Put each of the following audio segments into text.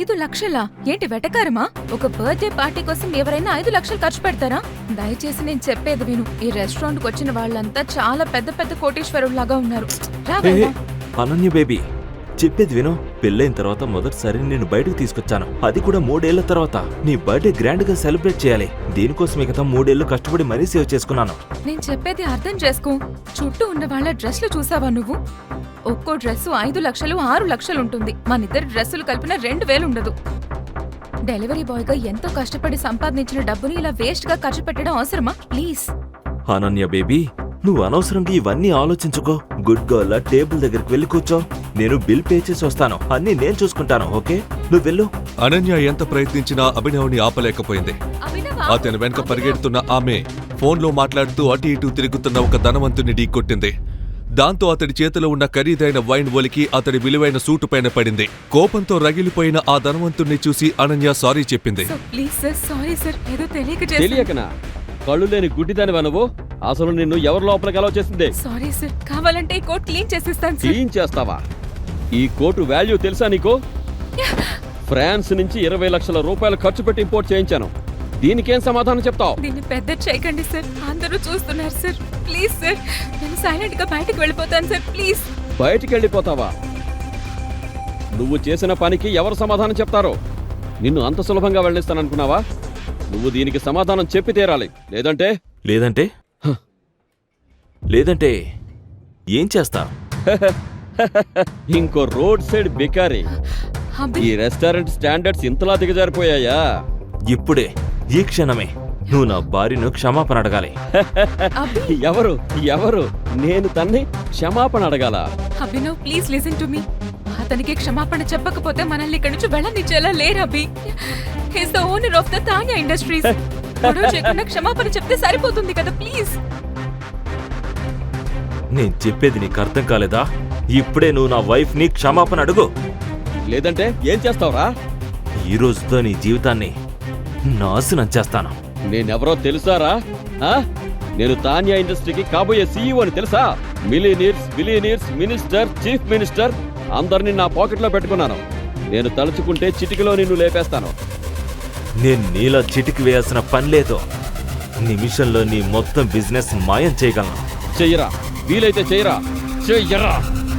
5 లక్షలా? ఏంటి వెటకారమా? ఒక birthday party కోసం ఎవరైనా 5 లక్షలు ఖర్చు పెడతారా? దయచేసి నేను చెప్పేది విను. ఈ రెస్టారెంట్ కు వచ్చిన వాళ్ళంతా చాలా పెద్ద పెద్ద కోటీశ్వరుల్లాగా ఉన్నారు. అనన్య బేబీ, చెప్పేది విను. పెళ్ళైన తర్వాత మొదటిసారి నేను బయటకు తీసుకొచ్చాను, అది కూడా 3 ఏళ్ల తర్వాత. నీ బర్త్డే గ్రాండ్ గా సెలబ్రేట్ చేయాలి. దీనికోసం మిగతా 3 ఏళ్లు కష్టపడి మరీ సేవ్ చేసుకున్నాను. నేను చెప్పేది అర్థం చేసుకో. చుట్టూ ఉన్న వాళ్ళ డ్రెస్లు చూసావా నువ్వు? ఒక్కో డ్రెస్సు 5 లక్షలు 6 లక్షలు ఉంటుంది. మనిద్దరి డ్రెస్సులు కలిపిన 2000 ఉండదు. డెలివరీ బాయ్ గా ఎంతో కష్టపడి సంపాదించిన డబ్బుని ఇలా వేస్ట్ గా ఖర్చు పెట్టడం అవసరమా? ప్లీజ్ అనన్య బేబీ, నువ్వు అనవసరంగా ఇవన్నీ ఆలోచించుకో. గుడ్ గర్ల్, టేబుల్ దగ్గరికి వెళ్ళి కూర్చో. నేను బిల్ పే చేసి వస్తాను. అన్నీ నేను చూసుకుంటాను. ఓకే, నువ్వు వెళ్ళు. అనన్య ఎంత ప్రయత్నించినా అభినవ్ని ఆపలేకపోయింది. అతని వెనక పరిగెడుతున్న ఆమె ఫోన్లో మాట్లాడుతూ అటు ఇటు తిరుగుతున్న ఒక ధనవంతుని ఢీకొట్టింది. దాంతో అతడి చేతిలో ఉన్న ఖరీదైన వైన్ ఒలికి అతడి విలువైన సూటు పైన పడింది. కోపంతో రగిలిపోయిన ఆ ధనవంతుణ్ణి చూసి అనన్య సారీ చెప్పింది. తెలియకనా? కళ్ళు లేని గుడ్డిదానివా నువ్వు? అసలు నిన్ను ఎవరి లోపలికి అలౌ చేసింది? సారీ సార్, కావాలంటే ఈ కోట్ క్లీన్ చేసిస్తాను. క్లీన్ చేస్తావా? ఈ కోటు వాల్యూ తెలుసా నీకు? ఫ్రాన్స్ నుంచి 20 లక్షల రూపాయలు ఖర్చు పెట్టి ఇంపోర్ట్ చేయించాను. దీనికేం సమాధానం చెప్తావు? దీన్ని పెద్ద చేయకండి సార్, అందరూ చూస్తున్నారు సార్. ప్లీజ్ సార్, నేను సైలెంట్ గా బయటకు వెళ్ళిపోతాను సార్. ప్లీజ్. బయటికి వెళ్ళిపోతావా? నువ్వు చేసిన పనికి ఎవరు సమాధానం చెప్తారో? నిన్ను అంత సులభంగా వెళ్ళిస్తాననుకున్నావా? నువ్వు దీనికి సమాధానం చెప్పి తీరాలి. లేదంటే లేదంటే లేదంటే ఏం చేస్తా? ఇంకో రోడ్ సైడ్ బికారి. ఈ రెస్టారెంట్ స్టాండర్డ్స్ ఇంతలా దిగజారిపోయాయా? ఇప్పుడే, ఈ క్షణమే నువ్వు నా భార్యను క్షమాపణ అడగాలి. ఎవరు ఎవరు? నేను తన్ని క్షమాపణ అడగాల? Abhinav, please listen to me. అతనికి క్షమాపణ చెప్పకపోతే మనల్ని ఇక్కడి నుంచి వెళ్ళనిచ్చేలా లేరు Abhi. He's the owner of the Tanya industries. గొడవ చేయకుండా క్షమాపణ చెప్తే సరిపోతుంది కదా. ప్లీజ్. నేను చెప్పేది నీకు అర్థం కాలేదా? ఇప్పుడే నువ్వు నా వైఫ్ ని క్షమాపణ అడుగు. లేదంటే ఏం చేస్తావురా? ఈ రోజుతో నీ జీవితాన్ని నాశనం చేస్తాను. నేనెవరో తెలుసారా? నేను తాన్యా ఇండస్ట్రీకి కాబోయే సీఈఓ అని తెలుసా? మిలియనీర్స్, మినిస్టర్, చీఫ్ మినిస్టర్ అందరినీ నా పాకెట్లో పెట్టుకున్నాను. నేను తలుచుకుంటే చిటికలో నిన్ను లేపేస్తాను. నేను నీలా చిటికి వేయాల్సిన పని లేదు. నిమిషంలో నీ మొత్తం బిజినెస్ మాయం చేయగలను. చెయ్యరా, వీలైతే చెయ్యరా, చెయ్యరా.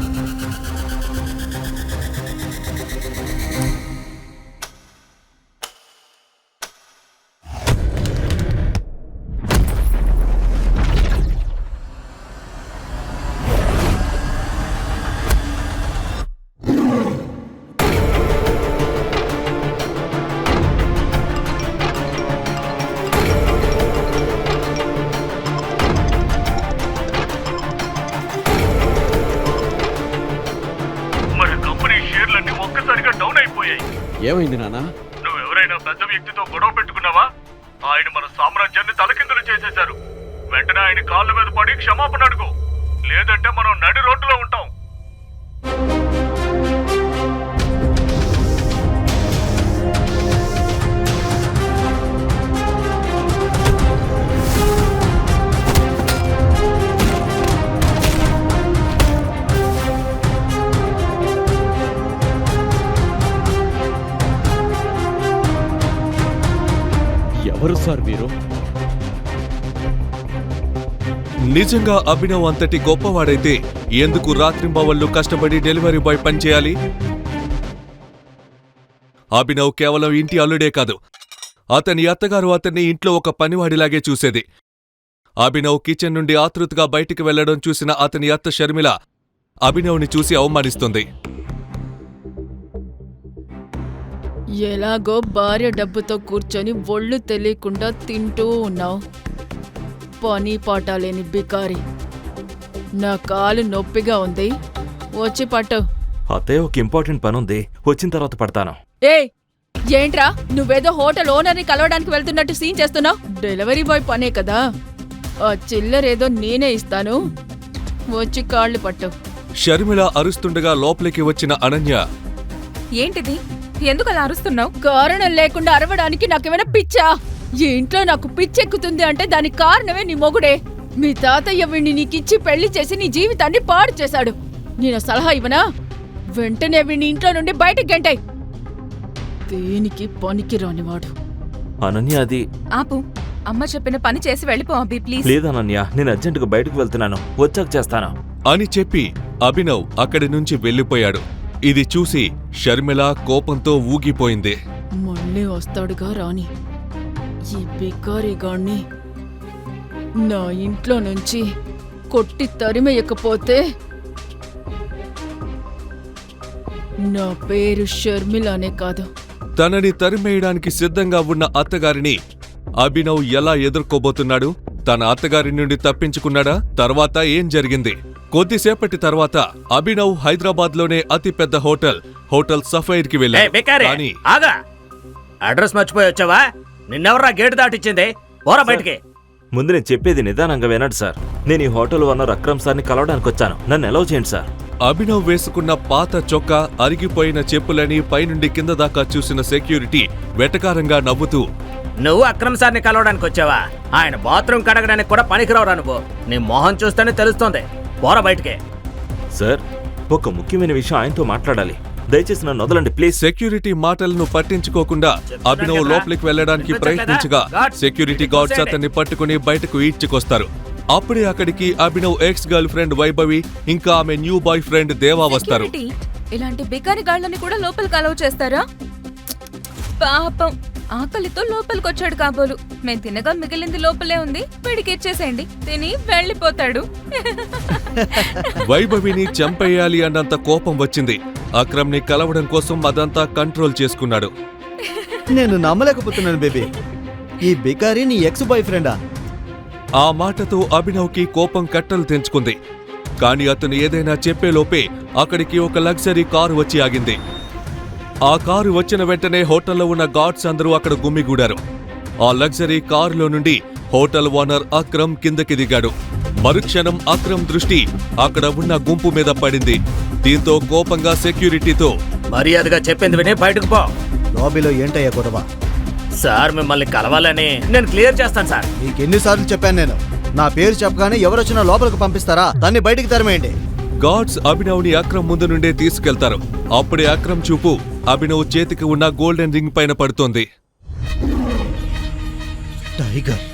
ఏమైంది నాన్న? నువ్వెవరైనా పెద్ద వ్యక్తితో గొడవ పెట్టుకున్నావా? ఆయన మన సామ్రాజ్యాన్ని తలకిందులు చేసేశారు. వెంటనే ఆయన కాళ్ళ మీద పడి క్షమాపణ అడుగు, లేదంటే మనం నడి రోడ్డులో ఉంటాం. ఎవరు సార్ మీరు? నిజంగా అభినవ్ అంతటి గొప్పవాడైతే ఎందుకు రాత్రింబవళ్లు కష్టపడి డెలివరీ బాయ్ పనిచేయాలి? అభినవ్ కేవలం ఇంటి అల్లుడే కాదు, అతని అత్తగారు అతన్ని ఇంట్లో ఒక పనివాడిలాగే చూసేది. అభినవ్ కిచెన్ నుండి ఆతృతగా బయటికి వెళ్లడం చూసిన అతని అత్త షర్మిల అభినవ్ని చూసి అవమానిస్తుంది. ఎలాగో భార్య డబ్బుతో కూర్చొని ఒళ్ళు తెలియకుండా తింటూ ఉన్నావు. పని పాట లేని బికారి. నా కాలు నొప్పిగా ఉంది, వచ్చి పట్టు. అత్తయ్య, ఒక ఇంపార్టెంట్ పని ఉంది, వచ్చిన తర్వాత పడతాను. ఏంట్రా, నువ్వేదో హోటల్ ఓనర్ని కలవడానికి వెళ్తున్నట్టు సీన్ చేస్తున్నావు? డెలివరీ బాయ్ పనే కదా, ఆ చిల్లరేదో నేనే ఇస్తాను, వచ్చి కాళ్ళు పట్టు. షర్మిల అరుస్తుండగా లోపలికి వచ్చిన అనన్య, ఏంటిది? ఎందుకు అలా అరుస్తున్నావు? కారణం లేకుండా అరవడానికి నాకేమైనా పిచ్చా? ఈ ఇంట్లో నాకు పిచ్చెక్కుతుంది అంటే దానికి కారణమే నీ మొగుడే. మీ తాతయ్య వీణ్ణి నీకిచ్చి పెళ్లి చేసి నీ జీవితాన్ని పాడు చేశాడు. నేను సలహా ఇవ్వనా? వెంటనే వీణ్ణి ఇంట్లో నుండి బయటకు గెంటాయి. దేనికి పనికి రానివాడు. అనన్య అది ఆపు. అమ్మ చెప్పిన పని చేసి వెళ్ళిపో అభి ప్లీజ్. లేదనన్య, నేను అర్జెంటుగా బయటకు వెళ్తున్నాను, వచ్చాక చేస్తాను. అని చెప్పి అభినవ్ అక్కడి నుంచి వెళ్ళిపోయాడు. ఇది చూసి షర్మిల కోపంతో ఊగిపోయింది. మళ్ళీ వస్తాడుగా రాని. ఈ బికారిగాణ్ణి నా ఇంట్లో నుంచి కొట్టి తరిమేయకపోతే నా పేరు షర్మిలానే కాదు. తనని తరిమేయడానికి సిద్ధంగా ఉన్న అత్తగారిని అభినవ్ ఎలా ఎదుర్కోబోతున్నాడు? తన అత్తగారి నుండి తప్పించుకున్నాడా? తర్వాత ఏం జరిగింది? కొద్దిసేపటి తర్వాత అభినవ్ హైదరాబాద్లోనే అతిపెద్ద హోటల్ సఫైర్ కి వెళ్ళాడు. కానీ ఆగా, అడ్రస్ మర్చిపోయి వచ్చావా? నిన్నెవర్రా గేటు దాటిచ్చింది? పోరా బయటికి. ముందు నేను చెప్పేది నిదానంగా వినండి సార్. నేను ఈ హోటల్ ఓనర్ అక్రమ్ సార్ని కలవడానికి వచ్చాను, నన్ను అలౌ చేయండి సార్. అభినవ్ వేసుకున్న పాత చొక్కా, అరిగిపోయిన చెప్పులని పైనుండి కింద దాకా చూసిన సెక్యూరిటీ వెటకారంగా నవ్వుతూ, నువ్వు అక్రమ్ సార్ని కలవడానికి వచ్చావా? ఆయన బాత్రూమ్ కడగడానికి కూడా పనికిరావురా నువ్వు. నీ మొహం చూస్తేనే తెలుస్తోంది. పోరా బయటికి. సార్, ఒక ముఖ్యమైన విషయం ఆయనతో మాట్లాడాలి, దయచేసి నన్ను వదలండి ప్లీజ్. సెక్యూరిటీ మాటలను పట్టించుకోకుండా అభినవ్ లోపలికి వెళ్లడానికి ప్రయత్నించగా సెక్యూరిటీ గార్డ్స్ అతన్ని పట్టుకుని బయటకు ఈడ్చుకొస్తారు. అప్పుడే అక్కడికి Abhinav ex girl friend Vaibhavi ఇంకా ఆమె న్యూ బాయ్ ఫ్రెండ్ దేవా వస్తారు. సెక్యూరిటీ, ఇలాంటి బికారి గాళ్ళని కూడా లోపలికి అలౌ చేస్తారా? పాపం, ఆకలితో లోపలికొచ్చాడు కాబోలు. మేము తినగా మిగిలింది లోపలే ఉంది, వీడికి ఇచ్చేసేయండి, తిని వెళ్ళిపోతాడు. వైభవిని చంపేయాలి అన్నంత కోపం వచ్చింది. అక్రమ్ ని కలవడం కోసం అదంతా కంట్రోల్ చేసుకున్నాడు. నేను నమ్మలేకపోతున్నాను బేబీ, ఈ బికారి నీ ఎక్స్ బాయ్ ఫ్రెండా? ఆ మాటతో అభినవ్ కి కోపం కట్టలు తెంచుకుంది. కాని అతను ఏదైనా చెప్పేలోపే అక్కడికి ఒక లగ్జరీ కారు వచ్చి ఆగింది. ఆ కారు వచ్చిన వెంటనే హోటల్లో ఉన్న గార్డ్స్ అందరూ అక్కడ గుమ్మిగూడారు. ఆ లగ్జరీ కారులో నుండి హోటల్ ఓనర్ అక్రమ్ కిందకి దిగాడు. మరుక్షణం అక్రమ్ దృష్టి అక్కడ ఉన్న గుంపు మీద పడింది. దీంతో కోపంగా సెక్యూరిటీతో, మర్యాదగా చెప్పింది విని బయటకు పో. లాబీలో ఏంటయ్యా గొడవ? సార్ మిమ్మల్ని కలవాలని నేను క్లియర్ చేస్తాను సార్. నీకెన్నిసార్లు చెప్పాను నేను, నా పేరు చెప్పగానే ఎవరొచ్చినా లోపలికి పంపిస్తారా? దాన్ని బయటికి తరిమేయండి. గార్డ్స్ అభినవ్ ని అక్రమ్ ముందు నుండే తీసుకెళ్తారు. అప్పుడే అక్రమ్ చూపు అభినవ్ చేతికి ఉన్న గోల్డెన్ రింగ్ పైన పడుతోంది. టైగర్,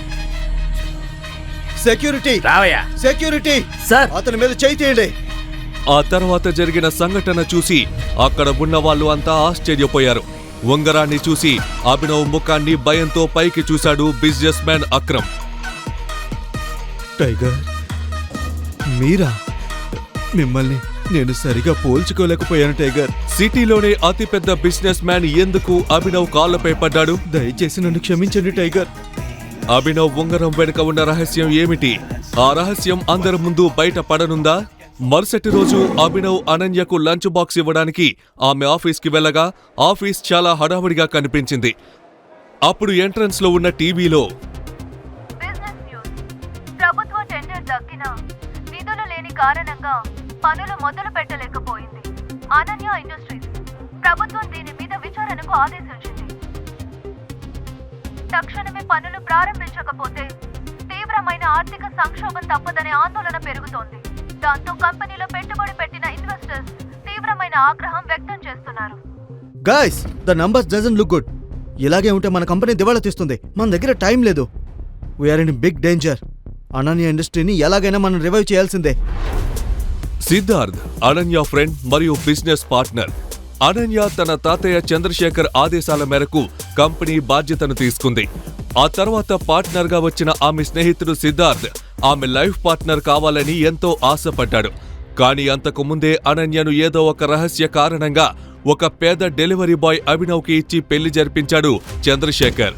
సెక్యూరిటీ, రావయ్యా. సెక్యూరిటీ సార్, అతని మీద చేయి తీయండి. ఆ తర్వాత జరిగిన సంఘటన చూసి అక్కడ ఉన్న వాళ్ళు అంతా ఆశ్చర్యపోయారు. ఉంగరాన్ని చూసి అభినవ్ ముఖాన్ని భయంతో పైకి చూశాడు బిజినెస్ మ్యాన్ అక్రమ్. టైగర్, మీరా? మిమ్మల్ని నేను సరిగా పోల్చుకోలేకపోయాను టైగర్. సిటీలోనే అతిపెద్ద బిజినెస్ మ్యాన్ ఎందుకు అభినవ్ కాళ్లపై పడ్డాడు? దయచేసి నన్ను క్షమించండి టైగర్. అభినవ్ ఉంగరం వెనుక ఉన్న రహస్యం ఏమిటి? ఆ రహస్యం అందరి ముందు బయట పడనుందా? మరుసటి రోజు అభినవ్ అనన్యకు లంచ్ బాక్స్ ఇవ్వడానికి ఆమె ఆఫీస్కి వెళ్ళగా ఆఫీస్ చాలా హడావుడిగా కనిపించింది. అప్పుడు ఎంట్రన్స్ లో ఉన్న టీవీలో, బిజినెస్ న్యూస్. ప్రభుత్వ టెండర్ దక్కిన నిధులు లేని కారణంగా పనులు మొదలు పెట్టలేకపోయింది. అనన్య ఇండస్ట్రీస్ ప్రభుత్వం దీని మీద విచారణకు ఆదేశించింది. తక్షణమే పనులు ప్రారంభించకపోతే తీవ్రమైన ఆర్థిక సంక్షోభం తప్పదనే ఆందోళన పెరుగుతోంది. దాంతో కంపెనీలో పెట్టుబడి పెట్టిన ఇన్వెస్టర్స్ తీవ్రమైన ఆగ్రహం వ్యక్తం చేస్తున్నారు. Guys, the numbers doesn't look good. ఇలాగే ఉంటే మన కంపెనీ దివాళా తీస్తుంది. మన దగ్గర టైం లేదు. We're in big danger. Ananya ఇండస్ట్రీని ఎలాగైనా మనం రివైవ్ చేయాల్సిందే. సిద్ధార్థ్ అనన్య ఫ్రెండ్ మరియు బిజినెస్ పార్ట్నర్. అనన్య తన తాతయ్య చంద్రశేఖర్ ఆదేశాల మేరకు కంపెనీ బాధ్యతను తీసుకుంది. ఆ తర్వాత పార్ట్నర్ గా వచ్చిన ఆమె స్నేహితుడు సిద్ధార్థ్ ఆమె లైఫ్ పార్ట్నర్ కావాలని ఎంతో ఆశపడ్డాడు. కానీ అంతకు ముందే అనన్యను ఏదో ఒక రహస్య కారణంగా ఒక పేద డెలివరీ బాయ్ అభినవ్కి ఇచ్చి పెళ్లి జరిపించాడు చంద్రశేఖర్.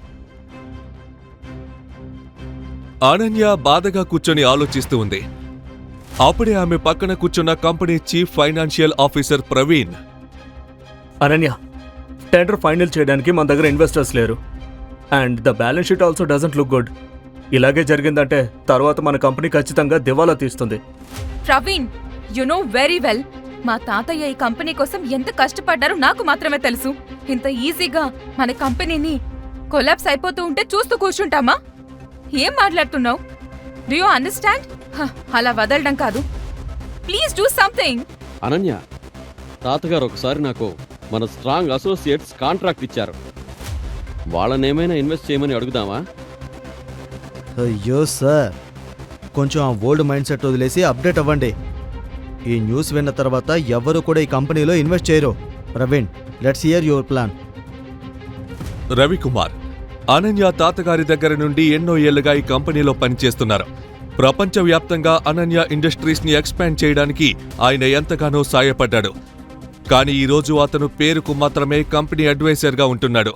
అనన్య బాధగా కూర్చొని ఆలోచిస్తూ ఉంది. అప్పుడే ఆమె పక్కన కూర్చున్న company chief financial officer Praveen, Ananya, tender final చేయడానికి మన దగ్గర ఇన్వెస్టర్స్ లేరు. And the balance sheet also doesn't look good. ఇలాగే జరిగిందంటే తర్వాత మన కంపెనీ ఖచ్చితంగా దివాలా తీస్తుంది. Praveen, you know very well, మా తాతయ్య ఈ కంపెనీ కోసం ఎంత కష్టపడ్డారో నాకు మాత్రమే తెలుసు. ఇంత ఈజీగా మన కంపెనీని కొలాప్స్ అయిపోతూ ఉంటే చూస్తూ కూర్చుంటామా? ఏం మాట్లాడుతున్నావు? Do you understand? అలా వదలడం కాదు, ప్లీజ్ డూ సంథింగ్. అనన్య, తాతగారు ఒకసారి నాకు మన స్ట్రాంగ్ అసోసియేట్స్ కాంట్రాక్ట్ ఇచ్చారు. వాళ్ళనేమైనా ఇన్వెస్ట్ చేయమని అడుగుదామా? అయ్యో సార్, కొంచెం ఆ ఓల్డ్ మైండ్ సెట్ వదిలేసి అప్డేట్ అవ్వండి. ఈ న్యూస్ విన్న తర్వాత ఎవ్వరూ కూడా ఈ కంపెనీలో ఇన్వెస్ట్ చేయరు. Praveen, let's hear your plan. Ravikumar Ananya తాతగారి దగ్గర నుండి ఎన్నో ఏళ్లుగా ఈ కంపెనీలో పనిచేస్తున్నారు. ప్రపంచవ్యాప్తంగా అనన్య ఇండస్ట్రీస్ ని ఎక్స్పాండ్ చేయడానికి ఆయన ఎంతగానో సాయపడ్డాడు. కానీ ఈ రోజు అతను పేరుకు మాత్రమే కంపెనీ అడ్వైజర్గా ఉంటున్నాడు.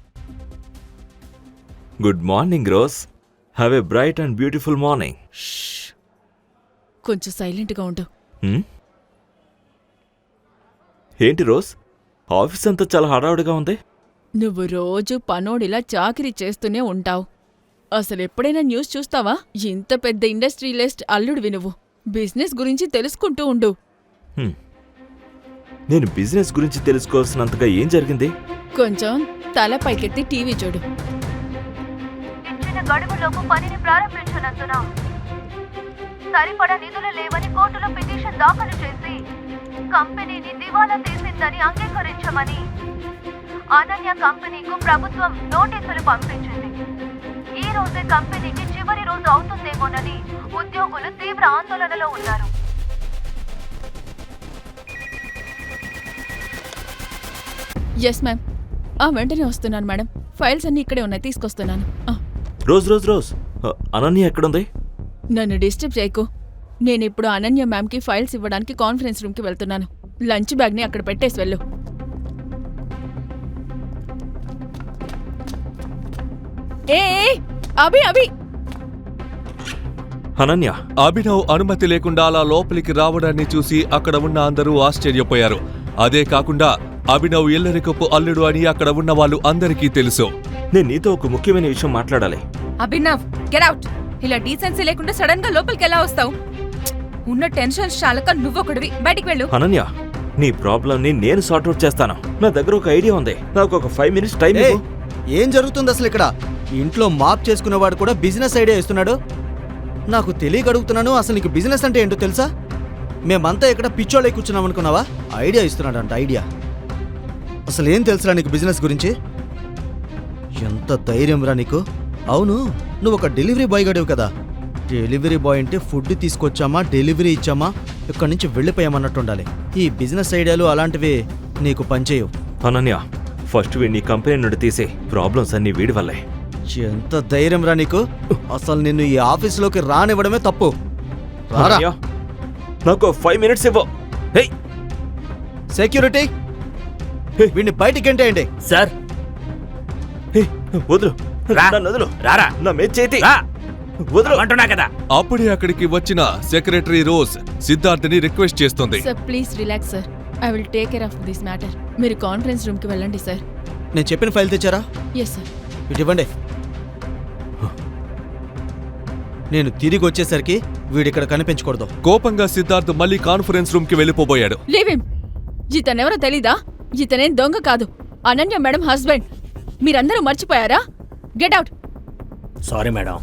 Good morning Rose. Have a bright and beautiful morning. కొంచెం సైలెంట్గా ఉండు. ఏంటి రోజ్, ఆఫీస్ అంతా చాలా హడావుడిగా ఉంది. నువ్వు రోజు పనోడిలా చాకిరీ చేస్తూనే ఉంటావు. అసలెప్పుడైనా న్యూస్ చూస్తావా? ఇంత పెద్ద ఇండస్ట్రియలిస్ట్ అల్లుడివి నువ్వు. బిజినెస్ గురించి తెలుసుకుంటూ ఉండు. నేను బిజినెస్ గురించి తెలుసుకోవాల్సినంతగా ఏం జరిగింది? కొంచెం తల పైకెత్తి టీవీ చూడు. ఇచ్చిన గడువులోపు పనిని ప్రారంభించనందున సరిపడా నిధులు లేవని కోర్టులో పిటిషన్ దాఖలు చేసి కంపెనీని దివాలా తీసిందని అంగీకరించమని అనన్య కంపెనీకు ప్రభుత్వం నోటీసులు పంపించింది. ఈ రోజే కంపెనీకి చివరి రోజు అవుతుందేమోనని ఉద్యోగులు తీవ్ర ఆందోళనలో ఉన్నారు. Yes ma'am. వెంటనే వస్తున్నాను మేడం. ఫైల్స్ అన్నీ ఇక్కడే ఉన్నాయి, తీసుకొస్తున్నాను. రోజ్ రోజ్ రోజ్, అనన్య ఎక్కడుంది? నన్ను డిస్టర్బ్ చేయకు. నేనిప్పుడు అనన్య మ్యామ్కి ఫైల్స్ ఇవ్వడానికి కాన్ఫరెన్స్ రూమ్కి వెళ్తున్నాను. లంచ్ బ్యాగ్ని అక్కడ పెట్టేసి వెళ్ళు. ఏ అభి అభి అనన్య, అభినవ్ అనుమతి లేకుండా అలా లోపలికి రావడాన్ని చూసి అక్కడ ఉన్న అందరూ ఆశ్చర్యపోయారు. అదే కాకుండా అభినవ్ ఇల్లరికపు అల్లుడు అని అక్కడ ఉన్న వాళ్ళు అందరికీ తెలుసు. నేను నీతో ఒక ముఖ్యమైన విషయం మాట్లాడాలి. Abhinav, get out. ఇలా డీసెన్సీ లేకుండా సడన్ గా లోపలికి ఎలా వస్తావు? ఉన్న టెన్షన్ చాలక నువ్వొకడివి, బయటికి వెళ్ళు. అనన్య, నీ ప్రాబ్లం ని నేను సార్ట్అవుట్ చేస్తాను. నా దగ్గర ఒక ఐడియా ఉంది. నాకు ఒక 5 minutes టైం ఇవ్వు. ఏం జరుగుతుంది అసలు ఇక్కడ? ఇంట్లో మాప్ చేసుకునేవాడు కూడా బిజినెస్ ఐడియా ఇస్తున్నాడు. నాకు తెలియక అడుగుతున్నాను, అసలు నీకు బిజినెస్ అంటే ఏంటో తెలుసా? మేమంతా ఇక్కడ పిచ్చోళ్ళై కూర్చున్నాం అనుకున్నావా? ఐడియా ఇస్తున్నాడంట, ఐడియా. అసలు ఏం తెలుసురా నీకు బిజినెస్ గురించి? ఎంత ధైర్యం రా నీకు? అవును, నువ్వు ఒక డెలివరీ బాయ్ గడివి కదా. డెలివరీ బాయ్ అంటే ఫుడ్ తీసుకొచ్చామా, డెలివరీ ఇచ్చామా, ఇక్కడి నుంచి వెళ్ళిపోయామన్నట్టు ఉండాలి. ఈ బిజినెస్ ఐడియాలు అలాంటివి నీకు పనిచేయవు. అనన్య, ఫస్ట్ వీడిని కంపెనీ నుండి తీసే. ప్రాబ్లమ్స్ అన్ని వీడి వల్లే. ఎంత ధైర్యం రా నీకు? అసలు నిన్ను ఈ ఆఫీసులోకి రానివ్వడమే తప్పు. రారా. అనన్య, నాకు 5 minutes ఇవ్వు. హే, సెక్యూరిటీ, వీడిని బయటికి ఎంటేయండి. సార్, హే, వదులు. రా. నన్ను వదులు. రారా. నా మీద చేతి రా వదులు. అంటున్నా కదా. అప్పుడే అక్కడికి వచ్చిన సెక్రటరీ రోజ్ సిద్ధార్థని రిక్వెస్ట్ చేస్తుంది. Sir please relax sir. I will take care of this matter. మీరు కాన్ఫరెన్స్ రూమ్కి వెళ్ళండి సార్. నేను చెప్పిన ఫైల్ తెచ్చారా? Yes sir. ఇటు ఇవ్వండి. నేను తిరిగి వచ్చేసరికి వీడిక్కడ కనిపించకూడదు. కోపంగా సిద్ధార్థ్ మళ్ళీ కాన్ఫరెన్స్ రూమ్ కి వెళ్ళిపోబోయాడు. Leave him. ఇతనెవరో తెలీదా? ఇతనేం దొంగ కాదు, అనన్య మేడం హస్బెండ్. మీరందరూ మర్చిపోయారా? Get out. Sorry madam.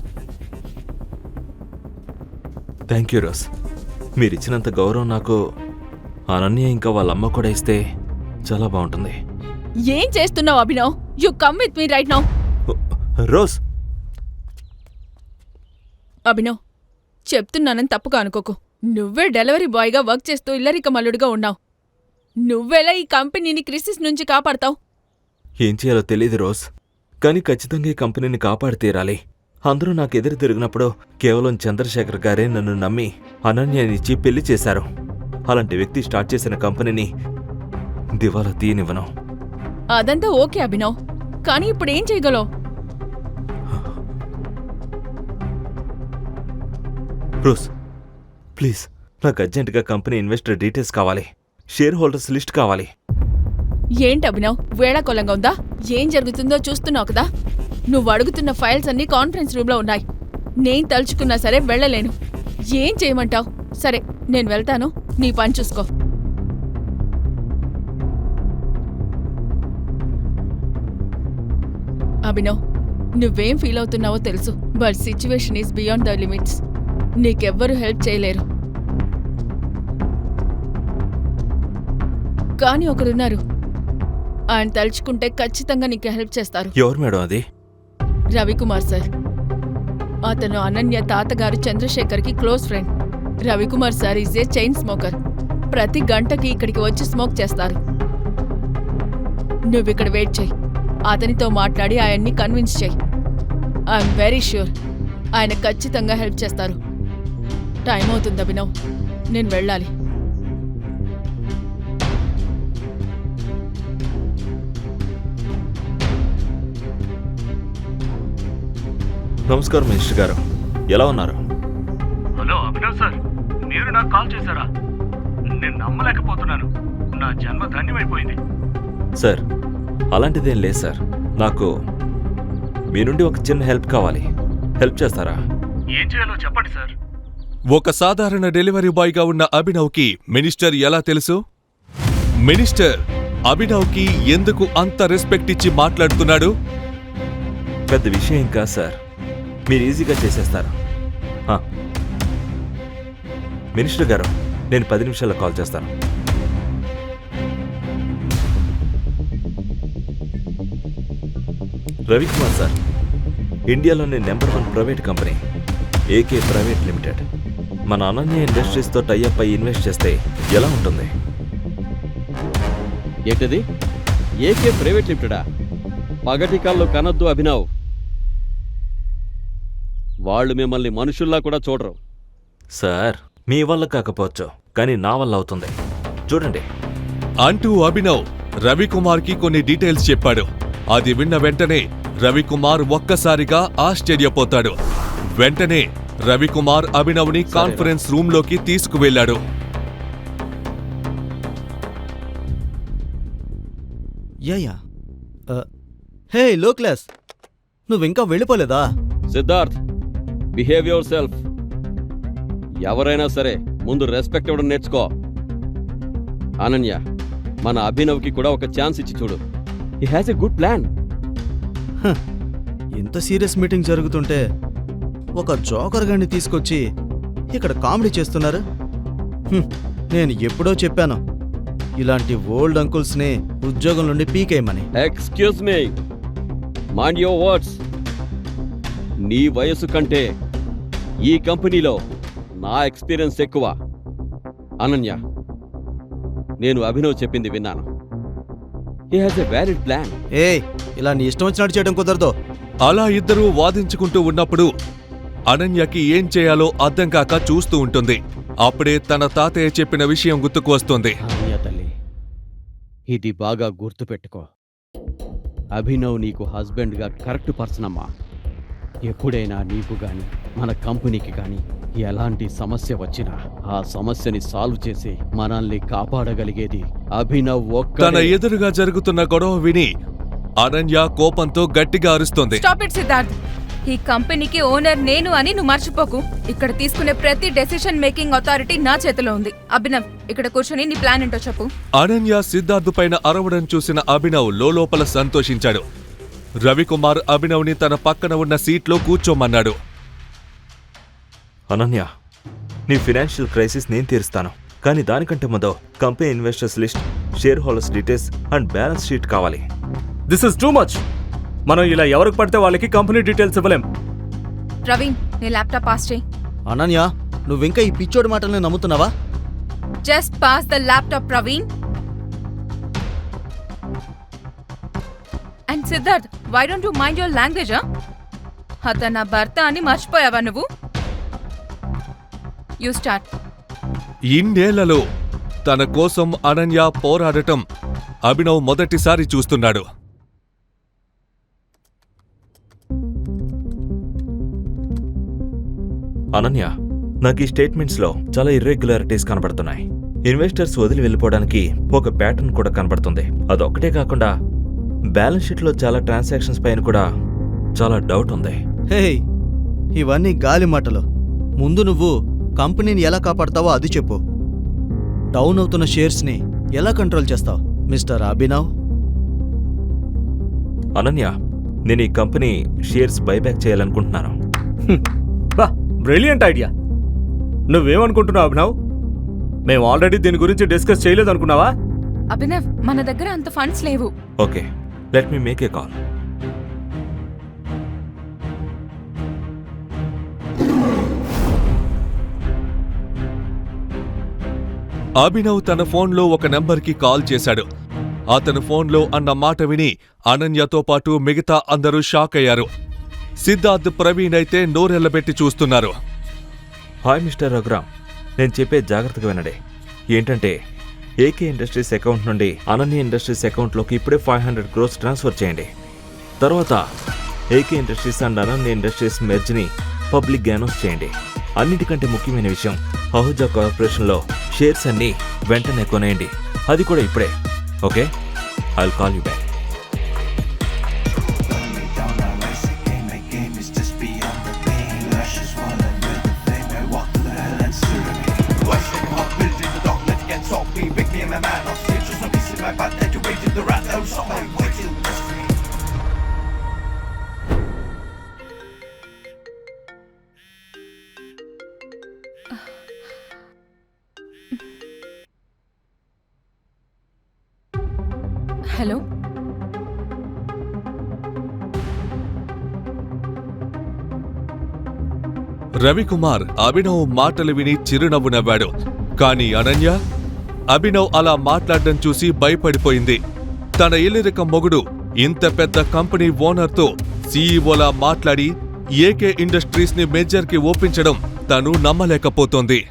Thank you Rose. మీరిచ్చినంత గౌరవం నాకు అనన్య ఇంకా వాళ్ళ అమ్మ కూడా ఇస్తే చాలా బాగుంటుంది. ఏం చేస్తున్నావు Abhinav? You come with me right now. Rose. Abhinav, చెప్తున్నానని తప్పుగా అనుకోకు. నువ్వే డెలివరీ బాయ్గా వర్క్ చేస్తూ ఇల్లరిక మల్లుడిగా ఉన్నావు. నువ్వెలా ఈ కంపెనీని క్రిసిస్ నుంచి కాపాడతావు? ఏం చేయాలో తెలియదు రోజ్, కానీ ఖచ్చితంగా ఈ కంపెనీని కాపాడి తీరాలి. అందరూ నాకు ఎదురు తిరిగినప్పుడు కేవలం చంద్రశేఖర్ గారే నన్ను నమ్మి అనన్యనిచ్చి పెళ్లి చేశారు. అలాంటి వ్యక్తి స్టార్ట్ చేసిన కంపెనీని దివాలా తీయనివ్వను. అదంతా ఓకే అభినవ్, కానీ ఇప్పుడు ఏం చేయగలవు? రోజ్, ప్లీజ్, నాకు అర్జెంటుగా కంపెనీ ఇన్వెస్టర్ డీటెయిల్స్ కావాలి. షేర్ హోల్డర్స్ లిస్ట్ కావాలి. ఏంటి అభినవ్, వేళాకోళంగా ఉందా? ఏం జరుగుతుందో చూస్తున్నావు కదా. నువ్వు అడుగుతున్న ఫైల్స్ అన్నీ కాన్ఫరెన్స్ రూమ్లో ఉన్నాయి. నేను తలుచుకున్నా సరే వెళ్ళలేను. ఏం చేయమంటావు? సరే, నేను వెళ్తాను. నీ పని చూసుకో. అభినవ్, నువ్వేం ఫీల్ అవుతున్నావో తెలుసు, but situation is beyond the limits. నీకెవ్వరూ హెల్ప్ చేయలేరు. కానీ ఒకరున్నారు, ఆయన తలుచుకుంటే ఖచ్చితంగా నీకు హెల్ప్ చేస్తారు. ఎవరు మేడం అది? రవికుమార్ సార్. అతను అనన్య తాతగారు చంద్రశేఖర్కి close friend. Ravikumar sir is a chain smoker. ప్రతి గంటకి ఇక్కడికి వచ్చి స్మోక్ చేస్తారు. నువ్విక్కడ వెయిట్ చెయ్యి. అతనితో మాట్లాడి ఆయన్ని కన్విన్స్ చెయ్యి. ఐఎమ్ వెరీ ష్యూర్ ఆయన ఖచ్చితంగా హెల్ప్ చేస్తారు. టైం అవుతుంది అభినవ్, నేను వెళ్ళాలి. నమస్కారం మినిస్టర్ గారు, ఎలా ఉన్నారు? హలో అభినవ్ సార్, మీరు నాకు కాల్ చేశారా? నేను నమ్మలేకపోతున్నాను. నా జన్మ ధన్యమైపోయింది. సార్, అలాంటిదేం లేదు సార్. నాకు మీ నుండి ఒక చిన్న హెల్ప్ కావాలి. హెల్ప్ చేస్తారా? ఏం చేయాలో చెప్పండి సార్. ఒక సాధారణ డెలివరీ బాయ్గా ఉన్న అభినవ్కి మినిస్టర్ ఎలా తెలుసు? మినిస్టర్ అభినవ్కి ఎందుకు అంత రెస్పెక్ట్ ఇచ్చి మాట్లాడుతున్నాడు? పెద్ద విషయం ఏం కాదు సార్, మీరు ఈజీగా చేసేస్తారు. మినిస్టర్ గారు, నేను 10 నిమిషాల్లో కాల్ చేస్తాను. రవికుమార్ సార్, ఇండియాలోని number 1 private company AK private limited మన అనన్య ఇండస్ట్రీస్తో టైఅప్ అయి ఇన్వెస్ట్ చేస్తే ఎలా ఉంటుంది? ఏంటది? ఏకే ప్రైవేట్ లిమిటెడా? పగటికాల్లో కనొద్దు అభినవ్. వాళ్ళు మిమ్మల్ని మనుషుల్లా కూడా చూడరు. సార్, మీ వల్ల కాకపోవచ్చు, కానీ నా వల్ల అవుతుంది. చూడండి అంటూ అభినవ్ రవికుమార్కి కొన్ని డీటెయిల్స్ చెప్పాడు. అది విన్న వెంటనే రవికుమార్ ఒక్కసారిగా ఆశ్చర్యపోతాడు. వెంటనే రవికుమార్ అభినవ్ని కాన్ఫరెన్స్ రూంలోకి తీసుకువెళ్లాడు. యా హే లో క్లాస్, నువ్వింకా వెళ్ళిపోలేదా? Siddharth, behave yourself. ఎవరైనా సరే ముందు రెస్పెక్ట్ ఇవ్వడం నేర్చుకో. అనన్య, మన అభినవ్కి కూడా ఒక ఛాన్స్ ఇచ్చి చూడు. He has a good plan. ఇంత సీరియస్ మీటింగ్ జరుగుతుంటే ఒక జోకర్ గాన్ని తీసుకొచ్చి ఇక్కడ కామెడీ చేస్తున్నారు. నేను ఎప్పుడో చెప్పాను, ఇలాంటి ఓల్డ్ అంకుల్స్ని ఉద్యోగం నుండి పీకేయమని. Excuse me, mind your words. నీ వయసు కంటే ఈ కంపెనీలో నా ఎక్స్పీరియన్స్ ఎక్కువ. అనన్య, నేను అభినవ్ చెప్పింది విన్నాను. He has a valid plan. ఇలా నీ ఇష్టం వచ్చినట్టు చేయడం కుదరదు. అలా ఇద్దరూ వాదించుకుంటూ ఉన్నప్పుడు అనన్యకి ఏం చేయాలో అర్థం కాక చూస్తూ ఉంటుంది. అప్పుడే తన తాతయ్య చెప్పిన విషయం గుర్తుకు వస్తుంది. అనన్య తల్లి, ఇది బాగా గుర్తుపెట్టుకో. అభినవ్ నీకు హస్బెండ్గా కరెక్ట్ పర్సన్ అమ్మా. ఎప్పుడైనా నీకు గాని మన కంపెనీకి గాని ఎలాంటి సమస్య వచ్చినా ఆ సమస్యని సాల్వ్ చేసి మనల్ని కాపాడగలిగేది అభినవ్ ఒక్కడే. తన ఎదురుగా జరుగుతున్న గొడవ విని అనన్య కోపంతో గట్టిగా అరుస్తుంది. Stop it Siddharth. ఈ కంపెనీకి ఓనర్ నేను అని నువ్వు మర్చిపోకు. ఇక్కడ తీసుకునే ప్రతి డెసిషన్ మేకింగ్ అథారిటీ నా చేతిలో ఉంది. అభినవ్, ఇక్కడ కూర్చొని నీ ప్లాన్ ఏంటో చెప్పు. అనన్య సిద్ధార్థ్ పైన అరవడం చూసిన అభినవ్ లోపల సంతోషించాడు. రవికుమార్ అభినవ్ని తన పక్కన ఉన్న సీట్లో కూర్చోమన్నాడు. అనన్య, నీ ఫినాన్షియల్ క్రైసిస్ నేను తీరుస్తాను, కానీ దానికంటే ముందు company investors list, share holders details and balance sheet కావాలి. This is too much. మనం ఇలా ఎవరికి పడితే వాళ్ళకి కంపెనీ డీటెయిల్స్ ఇవ్వలేం. ప్రవీణ్, నీ ల్యాప్టాప్ పాస్ చేయి. అనన్య, నువ్వింకా ఈ పిచ్చోడి మాటల్ని నమ్ముతున్నావా? Just pass the laptop Praveen. And Siddharth, why don't you mind your language? అతను నా భర్త అని మర్చిపోయావా నువ్వు? You start. ఇన్నేళ్లలో తన కోసం అనన్య పోరాడటం అభినవ్ మొదటిసారి చూస్తున్నాడు. అనన్య, నాకు ఈ స్టేట్మెంట్స్లో చాలా ఇర్రెగ్యులారిటీస్ కనబడుతున్నాయి. ఇన్వెస్టర్స్ వదిలి వెళ్ళిపోవడానికి ఒక ప్యాటర్న్ కూడా కనబడుతుంది. అదొక్కటే కాకుండా బ్యాలెన్స్ షీట్లో చాలా ట్రాన్సాక్షన్స్ పైన కూడా చాలా డౌట్ ఉంది. హే, ఇవన్నీ గాలి మాటలు. ముందు నువ్వు కంపెనీని ఎలా కాపాడతావో అది చెప్పు. డౌన్ అవుతున్న షేర్స్ని ఎలా కంట్రోల్ చేస్తావు మిస్టర్ అభినవ్? అనన్య, నేను ఈ కంపెనీ షేర్స్ బైబ్యాక్ చేయాలనుకుంటున్నాను. బా, బ్రిలియంట్ ఐడియా. నువ్వేమనుకుంటున్నావు అభినవ్? మేము ఆల్రెడీ దీని గురించి డిస్కస్ చేయలేదనుకున్నావా? అభినవ్ మన దగ్గర అంత ఫండ్స్ లేవు. Okay, let me make a call. Abhinav తన ఫోన్లో ఒక నెంబర్కి కాల్ చేశాడు. అతను ఫోన్లో అన్న మాట విని అనన్యతో పాటు మిగతా అందరూ షాక్ అయ్యారు. సిద్ధార్థ్, ప్రవీణ్ అయితే నోరెళ్లబెట్టి చూస్తున్నారు. హాయ్ మిస్టర్ రఘురామ్, నేను చెప్పే జాగ్రత్తగా వినండి. ఏంటంటే ఏకే ఇండస్ట్రీస్ అకౌంట్ నుండి అనన్య ఇండస్ట్రీస్ అకౌంట్లోకి ఇప్పుడే 500 crores ట్రాన్స్ఫర్ చేయండి. తర్వాత AK industries and Ananya industries మెర్జ్ని పబ్లిక్ అనౌన్స్ చేయండి. అన్నిటికంటే ముఖ్యమైన విషయం, అహుజా కార్పొరేషన్లో షేర్స్ అన్నీ వెంటనే కొనేయండి. అది కూడా ఇప్పుడే. Okay, I will call you back. Hello, Ravikumar Abhinav మాటలు విని చిరునవ్వు నవ్వాడు. కాని అనన్య అభినవ్ అలా మాట్లాడడం చూసి భయపడిపోయింది. తన ఇల్లిరకం మొగుడు ఇంత పెద్ద కంపెనీ ఓనర్తో సీఈఓలా మాట్లాడి ఏకే ఇండస్ట్రీస్ ని మేజర్కి ఒప్పించడం తను నమ్మలేకపోతోంది.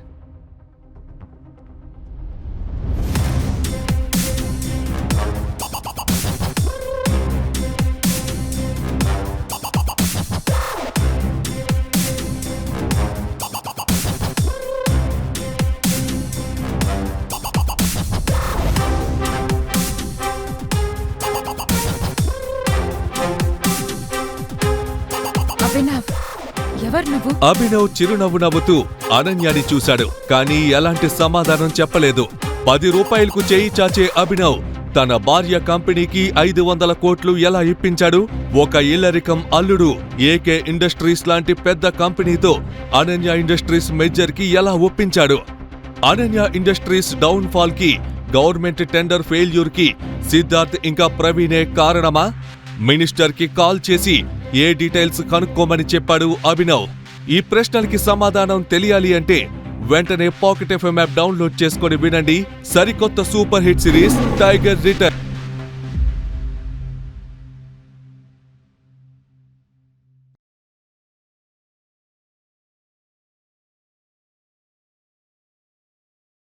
అభినవ్, ఎవరు నువ్వు? అభినవ్ చిరునవ్వు నవ్వుతూ అనన్యని చూశాడు. కానీ ఎలాంటి సమాధానం చెప్పలేదు. 10 రూపాయలకు చేయి చాచే అభినవ్ తన భార్య కంపెనీకి 500 కోట్లు ఎలా ఇప్పించాడు? ఒక ఇల్లరికం అల్లుడు ఏకే ఇండస్ట్రీస్ లాంటి పెద్ద కంపెనీతో అనన్య ఇండస్ట్రీస్ మెజర్కి ఎలా ఒప్పించాడు? అనన్య ఇండస్ట్రీస్ డౌన్ ఫాల్ కి, గవర్నమెంట్ టెండర్ ఫెయిల్యూర్ కి సిద్ధార్థ్ ఇంకా ప్రవీణే కారణమా? మినిస్టర్ కి కాల్ చేసి ఏ డీటెయిల్స్ కనుక్కోమని చెప్పాడు అభినవ్? ఈ ప్రశ్నలకి సమాధానం తెలియాలి అంటే వెంటనే పాకెట్ ఎఫ్ఎం యాప్ డౌన్లోడ్ చేసుకొని వినండి సరికొత్త super hit series tiger return.